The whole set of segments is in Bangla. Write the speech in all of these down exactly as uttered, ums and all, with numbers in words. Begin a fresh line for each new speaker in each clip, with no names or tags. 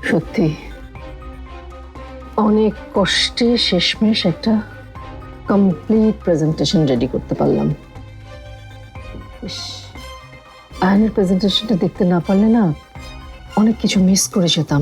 সত্যি অনেক কষ্টে শেষমেশ একটা কমপ্লিট প্রেজেন্টেশন রেডি করতে পারলাম। আয়নের প্রেজেন্টেশনটা দেখতে না পারলে না অনেক কিছু মিস করে যেতাম।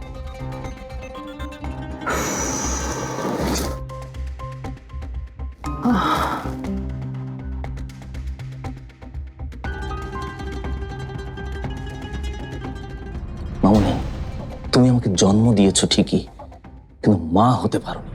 মামনি, তুমি আমাকে জন্ম দিয়েছো ঠিকই, কিন্তু মা হতে পারোনি।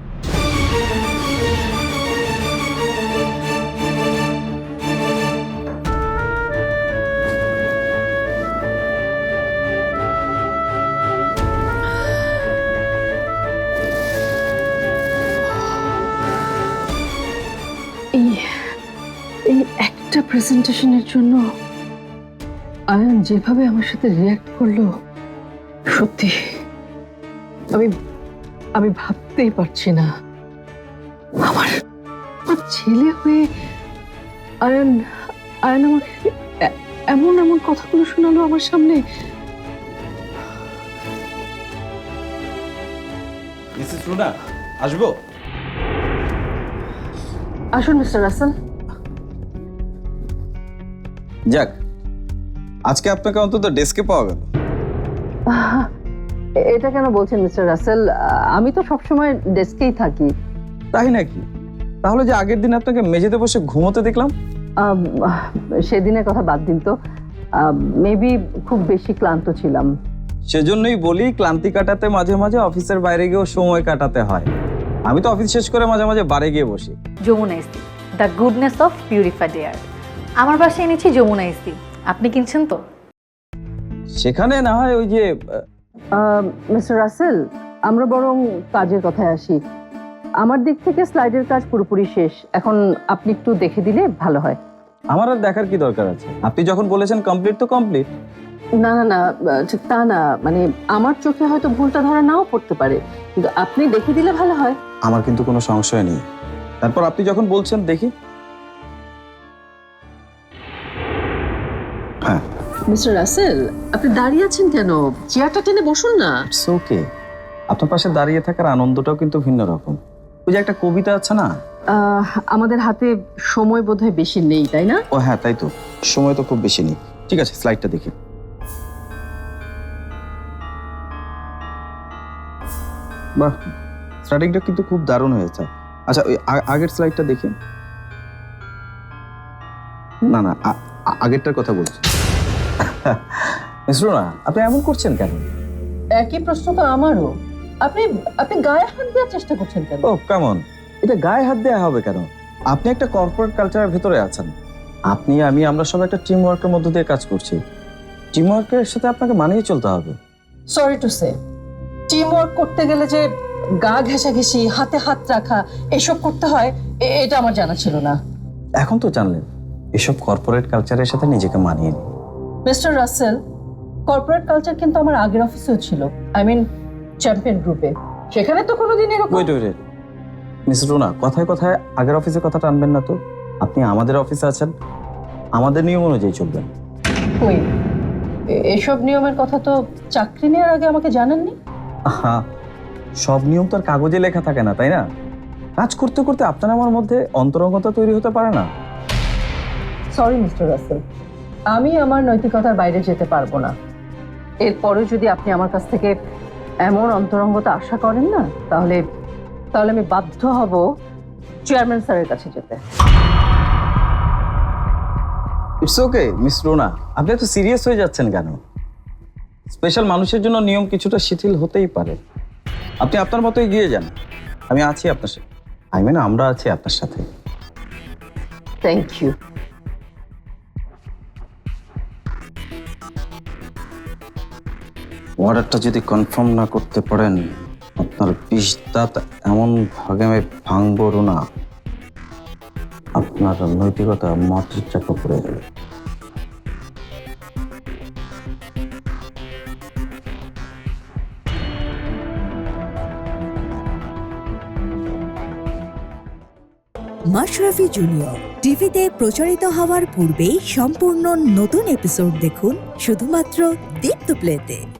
এই এই একটা প্রেজেন্টেশনের জন্য আয়ান যেভাবে আমার সাথে রিয়্যাক্ট করলো, সত্যি আমি আমি ভাবতেই পারছি না। আমার আমার ছেলে হয়ে আয়ান আয়ান আমাকে এ- এমন এমন কথাগুলো শোনালো আমার সামনে।
মিসেস রুনা, আসবো?
আসুন মিস্টার রাসেল।
যাক, আজকে আপনাকে অন্তত ডেস্কে পাওয়া গেল।
আহ, এটা কেন বলছেন মিস্টার রাসেল? আমি তো সবসময় ডেস্কেই থাকি।
তাই নাকি? তাহলে যে আগের দিন আপনাকে মেঝেতে বসে ঘুমোতে দেখলাম।
আম, সেদিনের কথা বাদ দিন তো। মেবি খুব বেশি ক্লান্ত ছিলাম।
সেজন্যই বলি, ক্লান্তি কাটাতে মাঝে মাঝে অফিসের বাইরে গিয়েও সময় কাটাতে হয়। আমি তো অফিস শেষ করে মাঝে মাঝে বারে গিয়ে বসি।
যমুনা ইস্তি, the goodness of purified air. আমার বাসায় এনেছি যমুনা ইস্তি, আপনি কিনছেন তো?
সেখানে না হয় ওই যে
মিস্টার রাসেল, আমরা বরং কাজের কথায় আসি। আমার দিক থেকে স্লাইডের কাজ পুরোপুরি শেষ। এখন আপনি একটু দেখে দিলে ভালো হয়।
আমার আর দেখার কি দরকার আছে? আপনি যখন বলেছেন কমপ্লিট তো কমপ্লিট।
না না না, ঠিক তা না, মানে আমার চোখে হয়তো ভুলটা ধরা নাও পড়তে পারে, কিন্তু আপনি দেখে দিলে ভালো হয়।
আমার কিন্তু কোনো সংশয় নেই। তারপর আপনি যখন বলছেন দেখি। হ্যাঁ,
মিস্টার রাসেল, আপনি দাঁড়িয়ে আছেন কেন? চেয়ারটা টেনে বসুন না।
It's okay. আপনার পাশে দাঁড়িয়ে থাকার আনন্দটাও কিন্তু ভিন্ন রকম। ওই যে একটা কবিতা আছে না?
আহ, আমাদের হাতে সময় বোধহয় বেশি নেই, তাই না?
ও হ্যাঁ, তাই তো, সময় তো খুব বেশি নেই। ঠিক আছে, স্লাইডটা দেখি। বাহ, স্টার্টিংটা কিন্তু খুব দারুণ হয়েছে। আচ্ছা, ওই আ- আগের স্লাইডটা দেখি। না না, আ- আ- আগেরটার কথা বলছি। মিশ্র না, আপনি এমন করছেন কেন?
একই প্রশ্ন তো আমারও। আপনি আপনি গায়ে হাত দেওয়ার চেষ্টা করছেন কেন?
ও কেমন, এটা গায়ে হাত দেওয়া হবে কেন? আপনি একটা কর্পোরেট কালচারের ভেতরে আছেন। আপনি আমি আমরা সব একটা টিম ওয়ার্কের মধ্য দিয়ে কাজ করছি। টিম ওয়ার্কের সাথে আপনাকে মানিয়ে চলতে হবে।
Sorry to say, team work করতে গেলে যে গা ঘেঁষাঘেঁষি, হাতে হাত রাখা, এসব করতে হয়, এ- এটা আমার জানা ছিল না।
এখন তো জানলেন। এসব কর্পোরেট কালচারের সাথে নিজেকে মানিয়ে নিন।
মিস্টার রাসেল, কর্পোরেট কালচার কিন্তু আমার আগের অফিসেও ছিল। আই মিন চ্যাম্পিয়ন গ্রুপে। সেখানে তো কোনোদিন এরকম।
ওয়েট ওয়েট মিস রুনা, কথায় কথায় আগের অফিসের কথা টানবেন না তো। আপনি আমাদের অফিসে আছেন, আমাদের নিয়ম অনুযায়ী চলবেন।
কই, এ- এসব নিয়মের কথা তো চাকরি নেওয়ার আগে আমাকে জানাননি।
আহা, সব নিয়ম তো আর কাগজে লেখা থাকে না, তাই না? কাজ করতে করতে আপনার আমার মধ্যে অন্তরঙ্গতা তৈরি হতে পারে না।
সরি মিস্টার রাসেল, আমি আমার নৈতিকতার বাইরে যেতে পারবো না। এরপরেও যদি আপনি আমার কাছ থেকে এমন অন্তরঙ্গতা আশা করেন না, তাহলে তাহলে আমি বাধ্য হব চেয়ারম্যান স্যারের কাছে যেতে।
ইটস ওকে মিস রুনা, আপনি এত সিরিয়াস হয়ে যাচ্ছেন কেন? স্পেশাল মানুষের জন্য নিয়ম কিছুটা শিথিল হতেই পারে। আপনি আপনার মতো এগিয়ে যান, আমি আছি আপনার সাথে। আই মিন আমরা আছি আপনার সাথে।
Thank you.
অর্ডারটা যদি কনফার্ম না করতে পারেন, আপনার বিষ দাঁত এমন ভাগে আমি ভাঙবো না, আপনার নৈতিকতা মাটির চাকা পড়ে যাবে।
মাশরাফি জুনিয়র টিভিতে প্রচারিত হওয়ার পূর্বেই সম্পূর্ণ নতুন এপিসোড দেখুন শুধুমাত্র দীপ্ত প্লেতে।